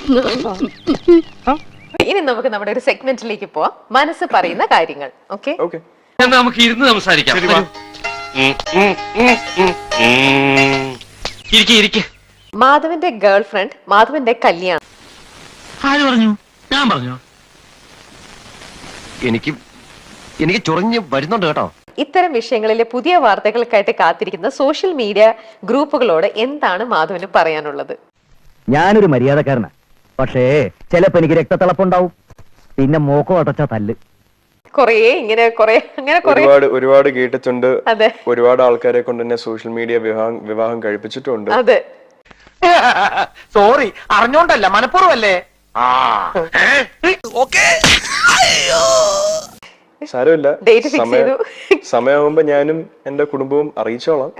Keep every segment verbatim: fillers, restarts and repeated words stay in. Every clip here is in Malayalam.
ഇനി നമുക്ക് നമ്മുടെ ഒരു സെഗ്മെന്റിലേക്ക് പോവാം, മനസ്സ് പറയുന്ന കാര്യങ്ങൾ. ഓക്കെ, നമുക്ക് ഇരുന്ന് സംസാരിക്കാം. മാധവന്റെ ഗേൾ ഫ്രണ്ട് മാധവന്റെ കല്യാണം. ആര് പറഞ്ഞു? ഞാൻ പറഞ്ഞു. എനിക്ക് എനിക്ക് ചൊറിഞ്ഞ് വരുന്നുണ്ട് കേട്ടോ. ഇത്തരം വിഷയങ്ങളിലെ പുതിയ വാർത്തകൾക്കായിട്ട് കാത്തിരിക്കുന്ന സോഷ്യൽ മീഡിയ ഗ്രൂപ്പുകളോട് എന്താണ് മാധവന് പറയാനുള്ളത്? ഞാനൊരു മര്യാദക്കാരനാ, പക്ഷേ ചിലപ്പോ എനിക്ക് രക്തത്തിളപ്പുണ്ടാവും, പിന്നെ മോക്കോ അടച്ച തല്ല്. കൊറേ ഇങ്ങനെ കൊറേ അങ്ങനെ ഒരുപാട് ഒരുപാട് കേട്ടിട്ടുണ്ട്. അതെ, ഒരുപാട് ആൾക്കാരെ കൊണ്ട് തന്നെ സോഷ്യൽ മീഡിയ വിവാഹം വിവാഹം കഴിപ്പിച്ചിട്ടുണ്ട്. അതെ. സോറി, അറിഞ്ഞോണ്ടല്ല, മനഃപൂർവ്വല്ലേ. സാരമില്ല, ഡേറ്റ് ഫിക്സ് ചെയ്തു. സമയമാകുമ്പോ ഞാനും എന്റെ കുടുംബവും അറിയിച്ചോളാം.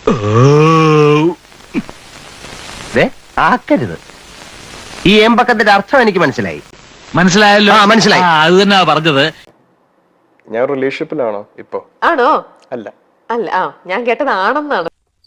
ആക്കരുത്. ഈ ഏമ്പക്കത്തിന്റെ അർത്ഥം എനിക്ക് മനസ്സിലായി. മനസ്സിലായല്ലോ? മനസ്സിലായി. അത് തന്നെയാ പറഞ്ഞത്. ഞാൻ റിലേഷൻഷിപ്പിലാണോ ഇപ്പൊ? ആണോ? അല്ല അല്ല. ആ, ഞാൻ കേട്ടത് ആണെന്നാണ്.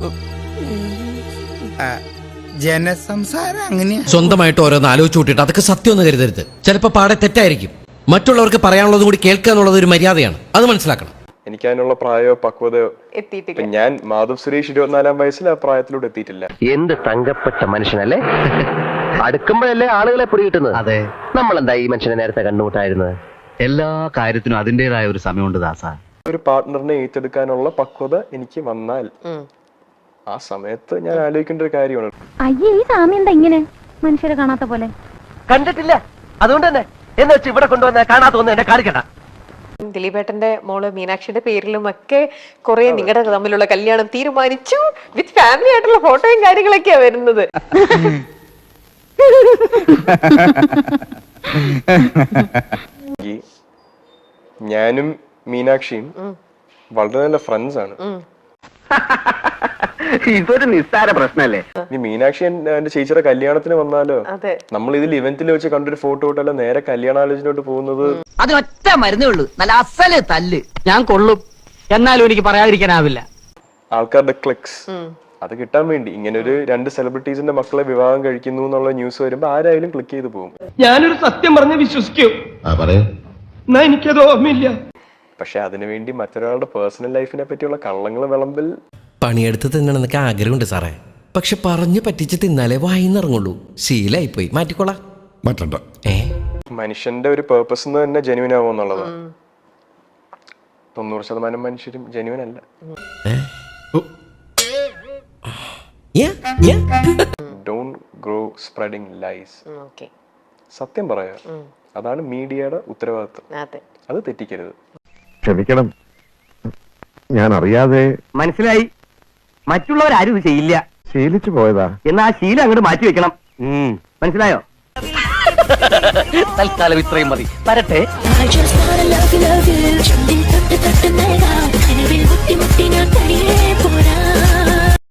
ജനസംസാരം അങ്ങനെയാ. സ്വന്തമായിട്ട് ഓരോന്ന് ആലോചിച്ച് കൂട്ടിയിട്ട് അതൊക്കെ സത്യം ഒന്ന് കരുതരുത്. ചിലപ്പോ പാടെ തെറ്റായിരിക്കും. മറ്റുള്ളവർക്ക് പറയാനുള്ളതും കൂടി കേൾക്കുക എന്നുള്ളത് ഒരു മര്യാദയാണ്, അത് മനസ്സിലാക്കണം. എനിക്ക് അതിനുള്ള പ്രായമോ പക്വതയോ എത്തിയിട്ടില്ല. ഞാൻ മാധവ് സുരേഷ് ഇരുപത്തിനാലാം വയസ്സിൽ ആ പ്രായത്തിലൂടെ എത്തിയിട്ടില്ല. എന്ത് തങ്കപ്പെട്ട മനുഷ്യനല്ലേ. അടുക്കുമ്പോഴല്ലേ ആളുകളെ പിടികിട്ടുന്നത്. അതെ, നമ്മളെന്താ ഈ മനുഷ്യനെ നേരത്തെ കണ്ടുമുട്ടായിരുന്നത്? എല്ലാ കാര്യത്തിനും അതിന്റേതായ ഒരു സമയമുണ്ട് ദാസ. ഒരു പാർട്ട്ണറിനെ ഏറ്റെടുക്കാനുള്ള പക്വത എനിക്ക് വന്നാൽ ആ സമയത്ത് ഞാൻ ആലോചിക്കേണ്ട ഒരു കാര്യമാണ്. അയ്യേ, ഈ സാമി എന്താ ഇങ്ങനെ മനുഷ്യരെ കാണാത്ത പോലെ? കണ്ടിട്ടില്ല, അതുകൊണ്ട് തന്നെ എന്ന് വെച്ച് ഇവിടെ കൊണ്ടുവന്ന കാണാത്ത ഒന്ന് എന്നെ കാണിക്കണ്ട. ദിലീപേട്ടന്റെ മോള് മീനാക്ഷിയുടെ പേരിലും ഒക്കെ കുറെ നിങ്ങളുടെ തമ്മിലുള്ള കല്യാണം തീരുമാനിച്ചു, വിത്ത് ഫാമിലി ആയിട്ടുള്ള ഫോട്ടോയും കാര്യങ്ങളൊക്കെയാ വരുന്നത്. ഞാനും മീനാക്ഷിയും വളരെ നല്ല ഫ്രണ്ട്സ് ആണ്. ഇതൊരു നിസ്സാര പ്രശ്നല്ലേ. ഈ മീനാക്ഷി എന്റെ ചേച്ചിയുടെ കല്യാണത്തിന് വന്നാലോ, നമ്മൾ ഇതിൽ ഇവന്റിൽ വെച്ച് കണ്ടൊരു ഫോട്ടോ ഇട്ടല്ലോ നേരെ കല്യാണാലോചനയോട്ട് പോകുന്നത്. അത് ഒറ്റ മരുന്നേ ഉള്ളൂ, നല്ല അസല് തല്ല്. ഞാൻ കൊള്ളും, എന്നാലും എനിക്ക് പറയാതിരിക്കാനാവില്ല. ആൾക്കാരുടെ ക്ലിക്സ് അത് കിട്ടാൻ വേണ്ടി ഇങ്ങനെ ഒരു രണ്ട് സെലിബ്രിറ്റീസിന്റെ മക്കളെ വിവാഹം കഴിക്കുന്നു എന്നുള്ള ന്യൂസ് വരുമ്പോ ആരായാലും ക്ലിക്ക് ചെയ്ത് പോകും. ഞാനൊരു സത്യം പറഞ്ഞ് വിശ്വസിക്കൂ, എനിക്കത് ഓർമ്മയില്ല. പക്ഷെ അതിനുവേണ്ടി മറ്റൊരാളുടെ പേഴ്സണൽ ലൈഫിനെ പറ്റിയുള്ള കള്ളങ്ങൾ വിളമ്പിൽ പണിയെടുത്ത് തിന്നണമെന്നൊക്കെ ആഗ്രഹമുണ്ട് സാറേ, പക്ഷെ പറഞ്ഞു പറ്റിച്ച് തിന്നാലേ വായിന്നിറങ്ങുള്ളൂ. ശീലായിപ്പോയി, മാറ്റിക്കോളാം. മാറ്റണ്ട. ഏ മനുഷ്യന്റെ ഒരു പേർപ്പസ് തന്നെ ജെന്യൂൻ ആവും എന്നുള്ളത്. തൊണ്ണൂറ് ശതമാനം മനുഷ്യരും ജെന്യൂൻ അല്ല. Don't grow spreading lies. സത്യം പറയാ, അതാണ് മീഡിയയുടെ ഉത്തരവാദിത്വം. അത് തെറ്റിക്കരുത്. ക്ഷമിക്കണം, ഞാൻ അറിയാതെ. മനസ്സിലായി, മറ്റുള്ളവരാരും ഇത് ചെയ്യില്ല. ശീലിച്ചു പോയതാ. എന്നാ ആ ശീലം അങ്ങോട്ട് മാറ്റി വെക്കണം. മനസ്സിലായോ? തൽക്കാലം ഇത്രയും മതി. വരട്ടെ.